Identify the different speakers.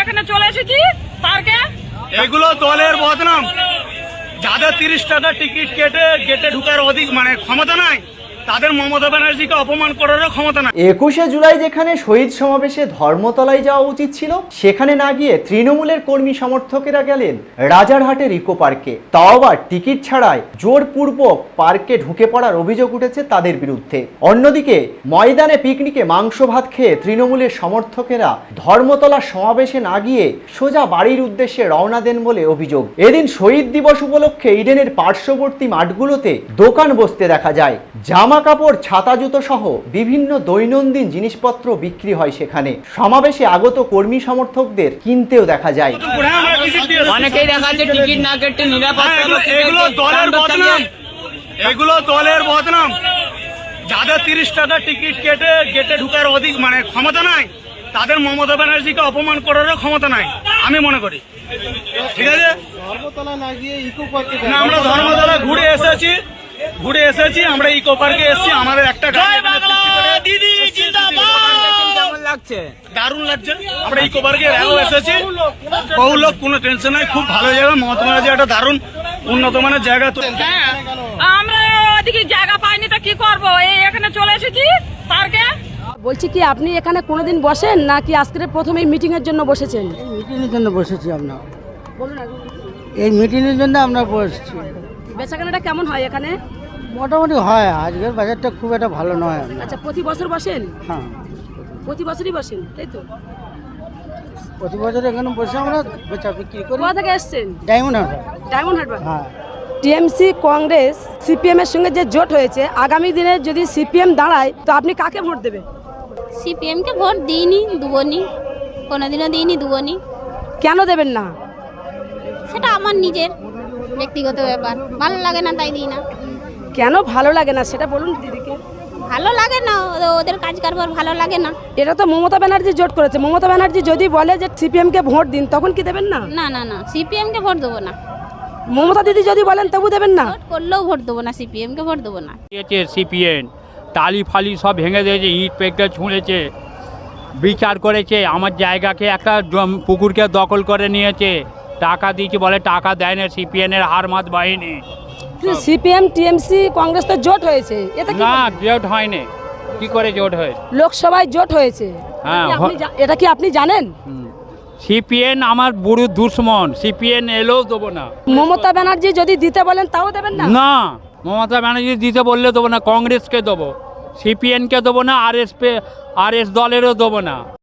Speaker 1: এখানে চলে এসেছি পার্কে।
Speaker 2: এগুলো দলের বদনাম। যাদের 30 টাকা টিকিট কেটে গেটে ঢুকার অধিক ক্ষমতা নাই, তাদের মমতা ব্যানার্জিকে অপমান করারও ক্ষমতা নাই।
Speaker 3: 21শে জুলাই যেখানে শহীদ সমাবেশে ধর্মতলায় যাওয়া উচিত ছিল, সেখানে না গিয়ে তৃণমূলের কর্মী সমর্থকেরা গেলেন রাজারহাটের ইকো পার্কে। তাও আবার টিকিট ছাড়াই জোরপূর্বক পার্কে ঢুকে পড়ার অভিযোগ উঠেছে তাদের বিরুদ্ধে। অন্যদিকে ময়দানে পিকনিকে মাংস ভাত খেয়ে তৃণমূলের সমর্থকেরা ধর্মতলা সমাবেশে না গিয়ে সোজা বাড়ির উদ্দেশ্যে রওনা দেন বলে অভিযোগ। এদিন শহীদ দিবস উপলক্ষে ইডেনের পার্শ্ববর্তী মাঠগুলোতে দোকান বসতে দেখা যায়। জামা কাপড়, ছাতা, জুতো সহ বিভিন্ন দৈনন্দিন জিনিসপত্র বিক্রি হয় সেখানে। সমাবেশে আগত কর্মী সমর্থকদের কিনতেও দেখা যায়।
Speaker 4: অনেকেই দেখা যাচ্ছে টিকিট না কেটে নিরাপত্তা।
Speaker 2: এগুলো দলের বদনাম, এগুলো দলের বদনাম। যাদের 30 টাকা টিকিট কেটে গেটে ঢুকার অধিক ক্ষমতা নাই, তাদের মমতা ব্যানার্জিকে অপমান করারও ক্ষমতা নাই আমি মনে করি। ঠিক আছে,
Speaker 5: ধর্মতলা না গিয়ে ইকো পার্কে
Speaker 2: না, আমরা ধর্মতলা ঘুরে এসেছি, আমরা ইকো পার্কে এসেছি। আমাদের একটা
Speaker 4: দিদি কেমন লাগছে?
Speaker 2: দারুণ লাগছে। আমরা ইকো পার্কে এসেছি, বহু লোক, কোনো টেনশন নাই, খুব ভালো জায়গা। মমতা ব্যানার্জি একটা দারুণ উন্নত মানের জায়গা। তো
Speaker 1: আমরা ওদিকে জায়গা পাইনি, তো কি করবো, এই এখানে চলে এসেছি পার্কে।
Speaker 6: বলছি কি আপনি এখানে কোনোদিন বসেন নাকি আজকের প্রথমে মিটিং এর জন্য বসেছেন?
Speaker 5: মিটিংয়ের জন্য বসেছি আমরা।
Speaker 6: বলুন আগে।
Speaker 5: এই মিটিংয়ের জন্য আমরা বসছি।
Speaker 6: বেচাকেনাটা কেমন হয় এখানে?
Speaker 5: মোটামুটি হয়, আজকের বাজারটা খুব একটা ভালো নয়।
Speaker 6: আচ্ছা, প্রতি বছর বসেন?
Speaker 5: হ্যাঁ,
Speaker 6: প্রতি বছরই বসেন, তাই তো?
Speaker 5: প্রতি বছর এখানে বসে আমরা বেচা বিক্রি করি।
Speaker 6: কোথা থেকে এসছেন?
Speaker 5: ডায়মন্ড হারবার।
Speaker 6: ডায়মন্ড হারবার।
Speaker 5: হ্যাঁ,
Speaker 6: টিএমসি, কংগ্রেস, সিপিএম এর সঙ্গে যে জোট হয়েছে, আগামী দিনে যদি সিপিএম দাঁড়ায় তো আপনি কাকে ভোট দেবেন?
Speaker 7: সিপিএমকে ভোট দিইনি, দুবনি, কোনোদিনও দিইনি, দুবনি।
Speaker 6: কেন দেবেন না?
Speaker 7: সেটা আমার নিজের ব্যক্তিগত ব্যাপার, ভালো লাগে না তাই দিই না।
Speaker 6: কেন ভালো লাগে না সেটা বলুন দিদিকে।
Speaker 7: ভালো লাগে না, ওদের কাজ কারবার ভালো লাগে না।
Speaker 6: এটা তো মমতা ব্যানার্জি জোট করেছে। মমতা ব্যানার্জি যদি বলে যে সিপিএম কে ভোট দিন, তখন কি দেবেন না?
Speaker 7: না না না, সিপিএমকে ভোট দেবো না।
Speaker 6: মমতা দিদি যদি বলেন তবু দেবেন না?
Speaker 7: ভোট করলেও ভোট দেবো না, সিপিএমকে ভোট দেবো না।
Speaker 4: সিপিএম টালি ফালি সব ভেঙে দিয়েছে, ইট পেকটা ছুঁড়েছে, বিচার করেছে, আমার জায়গাকে একটা পুকুরকে দখল করে নিয়েছে, টাকা দিয়েছে, বলে টাকা দেয় না সিপিএমের হারমাত বাহিনী।
Speaker 6: সিপিএম, টিএমসি, কংগ্রেস তো জোট হয়েছে, এতে কি?
Speaker 4: না, জোট হয়নি। কি করে জোট হয়?
Speaker 6: লোকসভায় জোট হয়েছে।
Speaker 4: হ্যাঁ,
Speaker 6: এটা কি আপনি জানেন?
Speaker 4: সিপিএম আমার বুড়ো দুশ্মন, সিপিএম এলেও দেবো না।
Speaker 6: মমতা ব্যানার্জি যদি দিতে বলেন তাও দেবেন না?
Speaker 4: না, মমতা ব্যানার্জি দিতে বললে দেবো না, কংগ্রেসকে দেবো, সিপিএমকে দেবো না, আরএস দলেরও দেবো না।